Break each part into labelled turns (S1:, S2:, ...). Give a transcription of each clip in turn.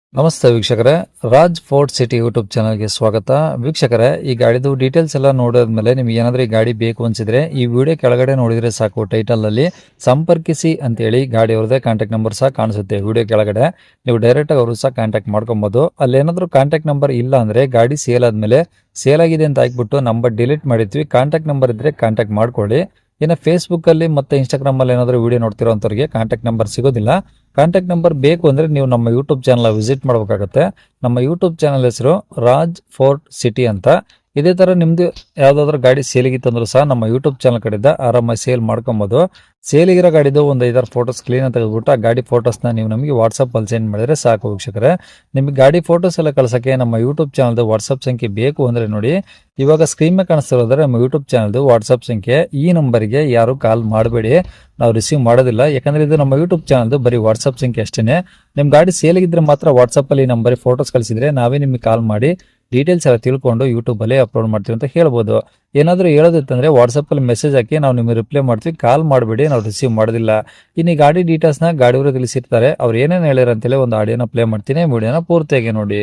S1: ನಮಸ್ತೆ ವೀಕ್ಷಕರೇ, Raj fort city YouTube ಚಾನಲ್ಗೆ ಸ್ವಾಗತ. ವೀಕ್ಷಕರೇ, ಈ ಗಾಡಿದು ಡೀಟೇಲ್ಸ್ ಎಲ್ಲ ನೋಡಿದ್ಮೇಲೆ ನಿಮ್ಗೆ ಏನಾದರೂ ಈ ಗಾಡಿ ಬೇಕು ಅನ್ಸಿದ್ರೆ ಈ ವಿಡಿಯೋ ಕೆಳಗಡೆ ನೋಡಿದ್ರೆ ಸಾಕು, ಟೈಟಲ್ ಅಲ್ಲಿ ಸಂಪರ್ಕಿಸಿ ಅಂತೇಳಿ ಗಾಡಿ ಅವ್ರದ್ದೇ ಕಾಂಟ್ಯಾಕ್ಟ್ ನಂಬರ್ ಸಹ ಕಾಣಿಸುತ್ತೆ. ವಿಡಿಯೋ ಕೆಳಗಡೆ ನೀವು ಡೈರೆಕ್ಟ್ ಆಗಿ ಅವರು ಸಹ ಕಾಂಟ್ಯಾಕ್ಟ್ ಮಾಡ್ಕೊಬಹುದು. ಅಲ್ಲಿ ಏನಾದರೂ ಕಾಂಟ್ಯಾಕ್ಟ್ ನಂಬರ್ ಇಲ್ಲ ಅಂದ್ರೆ ಗಾಡಿ ಸೇಲ್ ಆದ್ಮೇಲೆ ಸೇಲ್ ಆಗಿದೆ ಅಂತ ಹಾಕ್ಬಿಟ್ಟು ನಂಬರ್ ಡಿಲೀಟ್ ಮಾಡಿದ್ವಿ, ಕಾಂಟ್ಯಾಕ್ಟ್ ನಂಬರ್ ಇದ್ರೆ ಕಾಂಟ್ಯಾಕ್ಟ್ ಮಾಡ್ಕೊಳ್ಳಿ. ಇನ್ನು ಫೇಸ್ಬುಕ್ ಅಲ್ಲಿ ಮತ್ತೆ ಇನ್ಸ್ಟಾಗ್ರಾಮ್ ಅಲ್ಲಿ ಏನಾದರೂ ವಿಡಿಯೋ ನೋಡ್ತಿರೋಂಥವ್ರಿಗೆ ಕಾಂಟ್ಯಾಕ್ಟ್ ನಂಬರ್ ಸಿಗೋದಿಲ್ಲ. ಕಾಂಟ್ಯಾಕ್ಟ್ ನಂಬರ್ ಬೇಕು ಅಂದ್ರೆ ನೀವು ನಮ್ಮ ಯೂಟ್ಯೂಬ್ ಚಾನಲ್ ವಿಸಿಟ್ ಮಾಡಬೇಕಾಗುತ್ತೆ. ನಮ್ಮ ಯೂಟ್ಯೂಬ್ ಚಾನಲ್ ಹೆಸರು ರಾಜ್ ಫೋರ್ಟ್ ಸಿಟಿ ಅಂತ. ಇದೇ ತರ ನಿಮ್ದು ಯಾವ್ದಾದ್ರು ಗಾಡಿ ಸೇಲಿಗಿತ್ತಂದ್ರೂ ಸಹ ನಮ್ಮ ಯೂಟ್ಯೂಬ್ ಚಾನಲ್ ಕಡೆಯಿಂದ ಆರಾಮಾಗಿ ಸೇಲ್ ಮಾಡ್ಕೊಬಹುದು. ಸೇಲಿಗಿರೋ ಗಾಡಿದು ಒಂದು 5-6 ಫೋಟೋಸ್ ಕ್ಲೀನ್ ಅಂತ ತೆಗೆದುಬಿಟ್ಟು ಆ ಗಾಡಿ ಫೋಟೋಸ್ನ ನೀವು ನಮಗೆ ವಾಟ್ಸಪ್ ಅಲ್ಲಿ ಸೆಂಡ್ ಮಾಡಿದ್ರೆ ಸಾಕು ವೀಕ್ಷಕರೇ. ನಿಮಗೆ ಗಾಡಿ ಫೋಟೋಸ್ ಎಲ್ಲ ಕಳ್ಸಕ್ಕೆ ನಮ್ಮ ಯೂಟ್ಯೂಬ್ ಚಾನಲ್ದು ವಾಟ್ಸಪ್ ಸಂಖ್ಯೆ ಬೇಕು ಅಂದ್ರೆ ನೋಡಿ, ಇವಾಗ ಸ್ಕ್ರೀನ್ ಮೇಲೆ ಕಾಣಿಸ್ತಿರೋದ್ರೆ ನಮ್ಮ ಯೂಟ್ಯೂಬ್ ಚಾನಲ್ದು ವಾಟ್ಸಪ್ ಸಂಖ್ಯೆ. ಈ ನಂಬರ್ಗೆ ಯಾರು ಕಾಲ್ ಮಾಡಬೇಡಿ, ನಾವು ರಿಸೀವ್ ಮಾಡೋದಿಲ್ಲ. ಯಾಕಂದ್ರೆ ಇದು ನಮ್ಮ ಯೂಟ್ಯೂಬ್ ಚಾನಲ್ದು ಬರೀ ವಾಟ್ಸಪ್ ಸಂಖ್ಯೆ ಅಷ್ಟೇನೆ. ನಿಮ್ ಗಾಡಿ ಸೇಲಿಗಿದ್ರೆ ಮಾತ್ರ ವಾಟ್ಸಪ್ ಅಲ್ಲಿ ನಂಬರ್ ಫೋಟೋಸ್ ಕಳಿಸಿದ್ರೆ ನಾವೇ ನಿಮಗೆ ಕಾಲ್ ಮಾಡಿ ಡೀಟೇಲ್ಸ್ ಎಲ್ಲ ತಿಳ್ಕೊಂಡು ಯೂಟ್ಯೂಬ್ ಅಲ್ಲಿ ಅಪ್ಲೋಡ್ ಮಾಡ್ತೀವಿ ಅಂತ ಹೇಳ್ಬೋದು. ಏನಾದರೂ ಹೇಳೋದಿತ್ತಂದ್ರೆ ವಾಟ್ಸಪ್ ಅಲ್ಲಿ ಮೆಸೇಜ್ ಹಾಕಿ ನಾವು ನಿಮಗೆ ರಿಪ್ಲೈ ಮಾಡ್ತೀವಿ, ಕಾಲ್ ಮಾಡಬೇಡಿ, ನಾವು ರಿಸೀವ್ ಮಾಡೋದಿಲ್ಲ. ಇನ್ನು ಈ ಗಾಡಿ ಡೀಟೇಲ್ಸ್ನ ಗಾಡಿಯವರು ತಿಳಿಸಿರ್ತಾರೆ, ಅವ್ರು ಏನೇನು ಹೇಳ್ಯಾರ ಅಂತೇಳಿ ಒಂದು ಆಡಿಯೋನ ಪ್ಲೇ ಮಾಡ್ತೀನಿ, ವಿಡಿಯೋನ ಪೂರ್ತಿಯಾಗಿ ನೋಡಿ.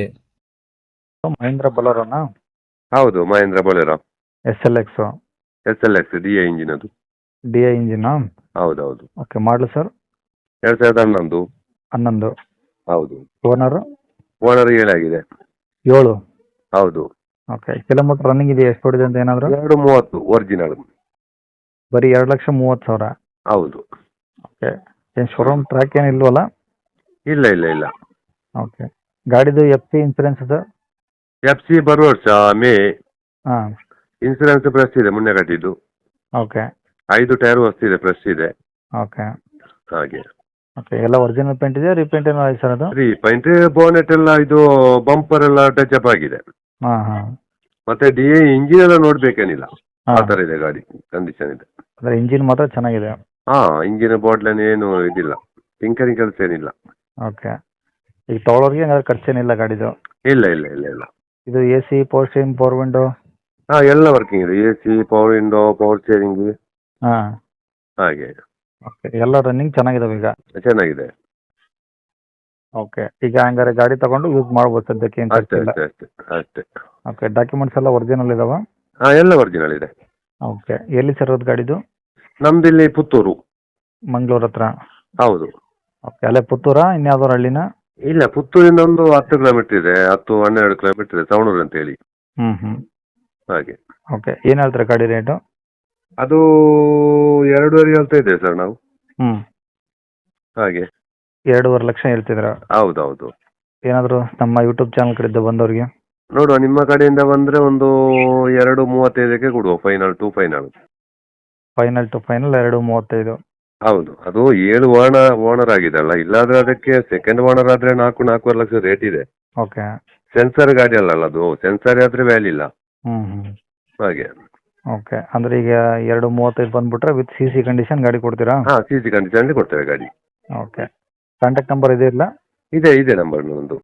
S1: ಮಹೇಂದ್ರ ಬಲೋರನ
S2: ಹೌದು, Mahindra Bolero
S1: SLX
S2: SLX DI engine ಅದು.
S1: DI engine.
S2: ಹೌದೌದು,
S1: ಓಕೆ, ಮಾಡಲು ಸರ್
S2: 2011.
S1: 11.
S2: ಹೌದು,
S1: ಓನರ್
S2: ಓನರ್ 7 ಆಗಿದೆ.
S1: 7.
S2: ಹೌದು,
S1: ಓಕೆ, ಕಿಲೋಮೀಟರ್ ರನ್ನಿಂಗ್ ಇದೆ, ಎಷ್ಟು ಹೊಡಿದೆ ಅಂತ ಏನಾದ್ರು?
S2: 230 ಒರಿಜಿನಲ್.
S1: ಬರೀ 2,30,000.
S2: ಹೌದು.
S1: ಓಕೆ, ಏನು ಶೋರೂಮ್ ಟ್ರ್ಯಾಕ್ ಏನು ಇಲ್ವಲ್ಲ?
S2: ಇಲ್ಲ ಇಲ್ಲ ಇಲ್ಲ.
S1: ಓಕೆ, ಗಾಡಿದು FC ಇನ್ಸೂರೆನ್ಸ್ ಅದು?
S2: FC ಬರುವ ವರ್ಷ ಮೇ.
S1: ಹಾಂ.
S2: ಇನ್ಸೂರೆನ್ಸ್ ಪ್ರೆಸ್ ಇದೆ, ಮೊನ್ನೆ ಕಟ್ಟಿದ್ದು.
S1: ಓಕೆ
S2: 5 ಟೈರ್ ಹೊಸ್ತಿದೆ, ಪ್ರೆಸ್ ಇದೆ.
S1: ಓಕೆ
S2: ಹಾಗೆ
S1: ಓಕೆ, ಎಲ್ಲ ಒರಿಜಿನಲ್ ಪೇಂಟ್ ಇದೆ, ರೀಪೇಂಟ್ ಏನೋ ಆಯ್ತು ಸರ್ ಅದು?
S2: 3 ಪಾಯಿಂಟ್ ಬೋನೆಟ್ ಎಲ್ಲ ಇದು ಬಂಪರ್ ಎಲ್ಲ ಟಚ್ ಅಪ್ ಆಗಿದೆ.
S1: ಹಾಂ ಹಾಂ.
S2: ಮತ್ತೆ DI ಇಂಜಿನ್ ಎಲ್ಲ ನೋಡ್ಬೇಕೇನಿಲ್ಲ, ಆ
S1: ಹಾಂ,
S2: ತರ ಇದೆ ಗಾಡಿ, ಕಂಡೀಷನ್ ಇದೆ.
S1: ಅಂದರೆ ಇಂಜಿನ್ ಮಾತ್ರ ಚೆನ್ನಾಗಿದೆ.
S2: ಹಾ, ಇಂಜಿನ್ ಬಾಟ್ಲನ್ ಏನು ಇದಿಲ್ಲ, ಟಿಂಕರಿಂಗ್ ಕೆಲಸ ಏನಿಲ್ಲ.
S1: ಓಕೆ, ಈಗ ತೊಗೊಳೋರಿಗೆ ಏನಾದ್ರು ಖರ್ಚೇನಿಲ್ಲ ಗಾಡಿದು?
S2: ಇಲ್ಲ ಇಲ್ಲ ಇಲ್ಲ ಇಲ್ಲ.
S1: ಇದು AC, power steering, power window?
S2: ಹಾ, ಎಲ್ಲ ವರ್ಕಿಂಗ್ ಇದೆ. AC, power window, power steering,
S1: ಹಾಂ.
S2: ಹಾಗೆ
S1: ಓಕೆ, ಎಲ್ಲ ರನ್ನಿಂಗ್ ಚೆನ್ನಾಗಿದಾವೆ ಈಗ?
S2: ಚೆನ್ನಾಗಿದೆ.
S1: ಓಕೆ, ಈಗ ಹಂಗಾರೆ ಗಾಡಿ ತಗೊಂಡು ಯೂಸ್ ಮಾಡ್ಬೋದು ಸದ್ಯಕ್ಕೆ, ಏನು
S2: ಅಷ್ಟೇ
S1: ಖರ್ಚಿಲ್ಲ.
S2: ಅಷ್ಟೇ ಅಷ್ಟೇ ಅಷ್ಟೇ.
S1: ಓಕೆ, ಡಾಕ್ಯುಮೆಂಟ್ಸ್ ಎಲ್ಲ ಒರಿಜಿನಲ್ ಇದಾವ?
S2: ಹಾ, ಎಲ್ಲ ಒರಿಜಿನಲ್ ಇದೆ.
S1: ಓಕೆ, ಎಲ್ಲಿ ಸರ್ ಅದು ಗಾಡಿದು?
S2: ನಮ್ದಿಲ್ಲಿ ಪುತ್ತೂರು.
S1: ಮಂಗಳೂರು ಹತ್ರ?
S2: ಹೌದು.
S1: ಓಕೆ, ಅಲ್ಲೇ ಪುತ್ತೂರಾ ಇನ್ಯಾವ್ದಾರು ಹಳ್ಳಿನ?
S2: ಇಲ್ಲ, ಪುತ್ತೂರಿಂದ ಒಂದು 10 ಕಿಲೋಮೀಟರ್ ಇದೆ, 10-12 ಕಿಲೋಮೀಟರ್ ಇದೆ, ಸವಣೂರು ಅಂತ ಹೇಳಿ.
S1: ಹ್ಞೂ.
S2: ಹಾಗೆ.
S1: ಓಕೆ, ಏನು ಹೇಳ್ತಾರೆ ಗಾಡಿ ರೇಟು?
S2: ಅದು 2.5 ಹೇಳ್ತಾ ಇದ್ದೇವೆ ಸರ್ ನಾವು.
S1: ಹ್ಞೂ,
S2: ಹಾಗೆ.
S1: 2.5 ಲಕ್ಷ ಹೇಳ್ತಿದ್ರ?
S2: ಹೌದೌದು.
S1: ಏನಾದರೂ ನಮ್ಮ ಯೂಟ್ಯೂಬ್ ಚಾನಲ್ ಕಡೆಯಿಂದ ಬಂದವ್ರಿಗೆ?
S2: ನೋಡುವ, ನಿಮ್ಮ ಕಡೆಯಿಂದ ಬಂದ್ರೆ ಒಂದು 2.35ಕ್ಕೆ ಕೊಡುವ, final to final.
S1: Final to final 2.35?
S2: ಹೌದು, ಅದು 7 ಓನರ್ ಆಗಿದೆಲ್ಲ, ಇಲ್ಲಾದ್ರೆ ಅದಕ್ಕೆ ಸೆಕೆಂಡ್ ಓನರ್ ಆದ್ರೆ 4-4.5 ಲಕ್ಷ ರೇಟ್ ಇದೆ.
S1: ಓಕೆ.
S2: ಸೆನ್ಸರ್ ಗಾಡಿ ಅಲ್ಲ ಅದು, ಸೆನ್ಸರ್ ಆದ್ರೆ ವ್ಯಾಲ್ಯೂ ಇಲ್ಲ.
S1: ಹ್ಞೂ.
S2: ಹಾಗೆ.
S1: ಓಕೆ, ಅಂದರೆ ಈಗ 2.35 ಬಂದ್ಬಿಟ್ರೆ ವಿತ್ CC ಕಂಡೀಷನ್ ಗಾಡಿ ಕೊಡ್ತೀರಾ?
S2: ಹಾ, CC ಕಂಡೀಷನ್ ಕೊಡ್ತೇವೆ ಗಾಡಿ.
S1: ಓಕೆ, ಕಾಂಟ್ಯಾಕ್ಟ್ ನಂಬರ್ ಇದೆ ಇಲ್ಲ?
S2: ಇದೆ ನಂಬರ್ ಒಂದು.